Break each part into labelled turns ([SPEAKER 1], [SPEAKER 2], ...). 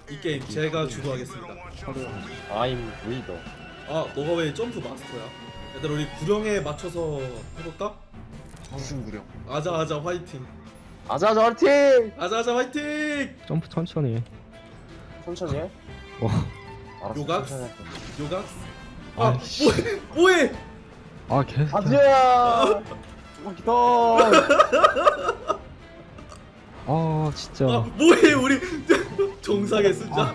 [SPEAKER 1] 이 게임 제가 주도하겠습니다.
[SPEAKER 2] I'm 리더.
[SPEAKER 1] 아, 너가 왜 점프 마스터야? 얘들아, 우리 구령에 맞춰서 해볼까?
[SPEAKER 3] 무슨 구령?
[SPEAKER 1] 아자 화이팅.
[SPEAKER 2] 아자아자 화이팅!
[SPEAKER 1] 아자 화이팅.
[SPEAKER 4] 점프 천천히 해.
[SPEAKER 2] 천천히 해. 알았어.
[SPEAKER 1] 요각?
[SPEAKER 2] 천천히 할게.
[SPEAKER 1] 요각.
[SPEAKER 4] 아,
[SPEAKER 1] 아,
[SPEAKER 4] 씨.
[SPEAKER 1] 뭐해?
[SPEAKER 4] 아 계속
[SPEAKER 2] 아지야. 조금 기다려.
[SPEAKER 4] 아 진짜
[SPEAKER 1] 아, 뭐해 우리 정상에 쓰자.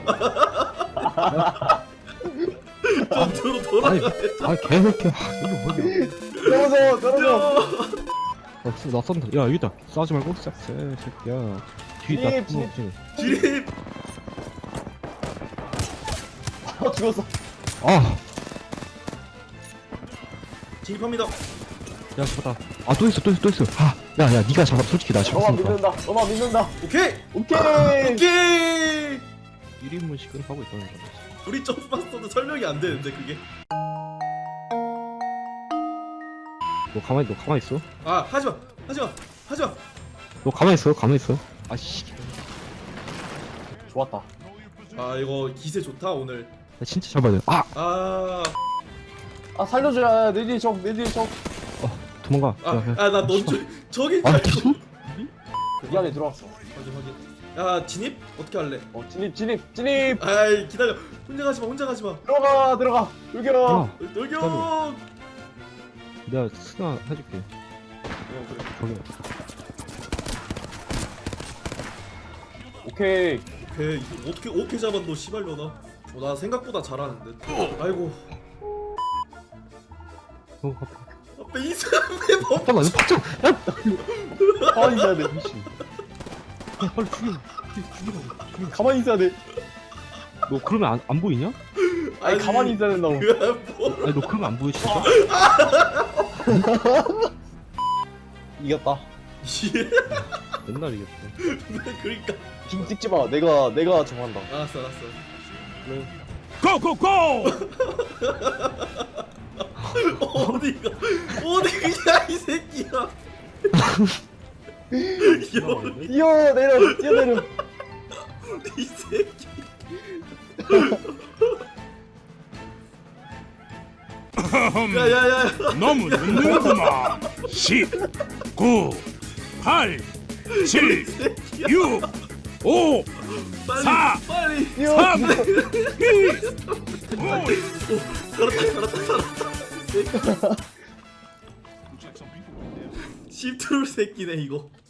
[SPEAKER 1] 전투로 돌아가.
[SPEAKER 4] 아 계속 해. 이거 뭐야.
[SPEAKER 2] 떨어져.
[SPEAKER 4] 나 쏜다. 야 여기다. 쏴지 말고 쏴. 새끼야. 뒤에 나
[SPEAKER 2] 진입,
[SPEAKER 1] 진입.
[SPEAKER 2] 아 죽었어.
[SPEAKER 4] 아.
[SPEAKER 1] 진입합니다.
[SPEAKER 4] 야 잡았다. 아또 있어. 야야 네가 잡아. 솔직히 나
[SPEAKER 2] 너만
[SPEAKER 4] 잡았으니까.
[SPEAKER 2] 믿는다. 너만 믿는다.
[SPEAKER 1] 오케이.
[SPEAKER 2] 오케이.
[SPEAKER 1] 오케이.
[SPEAKER 4] 1인분씩은 하고 있다는 거지.
[SPEAKER 1] 우리 점프 마스터도 설명이 안 되는데 그게.
[SPEAKER 4] 너 가만히 있어.
[SPEAKER 1] 아, 하지마.
[SPEAKER 4] 너 가만히 있어. 아씨.
[SPEAKER 2] 좋았다.
[SPEAKER 1] 아, 이거 기세 좋다 오늘.
[SPEAKER 4] 나 진짜 잡아야 돼. 아
[SPEAKER 2] 아 살려줘야. 내 뒤에 적.
[SPEAKER 4] 도망가.
[SPEAKER 1] 나 넌 저기
[SPEAKER 4] 아
[SPEAKER 1] 잘
[SPEAKER 4] 계속?
[SPEAKER 2] 이 안에 들어왔어.
[SPEAKER 1] 확인. 야, 진입 어떻게 할래?
[SPEAKER 2] 진입.
[SPEAKER 1] 아이, 기다려. 혼자 가지 마.
[SPEAKER 2] 들어가. 돌격.
[SPEAKER 1] 돌격.
[SPEAKER 4] 내가 스나 해줄게. 저기.
[SPEAKER 2] 오케이.
[SPEAKER 1] 오케이. 이거 어떻게 잡았노 씨발려나. 나 생각보다 잘하는데. 아이고. 앞에 이 사람의 법.
[SPEAKER 4] 잠깐만, 너 박정.
[SPEAKER 2] 가만히 있어야 돼.
[SPEAKER 4] 미친. 야, 빨리 죽이라고.
[SPEAKER 2] 가만히 있어야 돼.
[SPEAKER 4] 너 그러면 안 보이냐?
[SPEAKER 2] 아니 가만히 있어야 된다고.
[SPEAKER 1] 뭐.
[SPEAKER 4] 아니 너 그러면 안 보여 진짜?
[SPEAKER 2] 이겼다.
[SPEAKER 4] 맨날 이겼어.
[SPEAKER 1] 그러니까.
[SPEAKER 2] 빙 찍지 마. 내가 정한다.
[SPEAKER 1] 알았어.
[SPEAKER 5] 고고고!
[SPEAKER 1] 어디가 이 새끼야.
[SPEAKER 2] 뛰어내려.
[SPEAKER 1] 이 새끼. 야야야.
[SPEAKER 5] 너무 늦는구만. 10, 9, 8, 7, 6, 5, 4,
[SPEAKER 1] 빨리.
[SPEAKER 5] 3, 2, 1.
[SPEAKER 1] 살았다. 십트롤 새끼네 이거.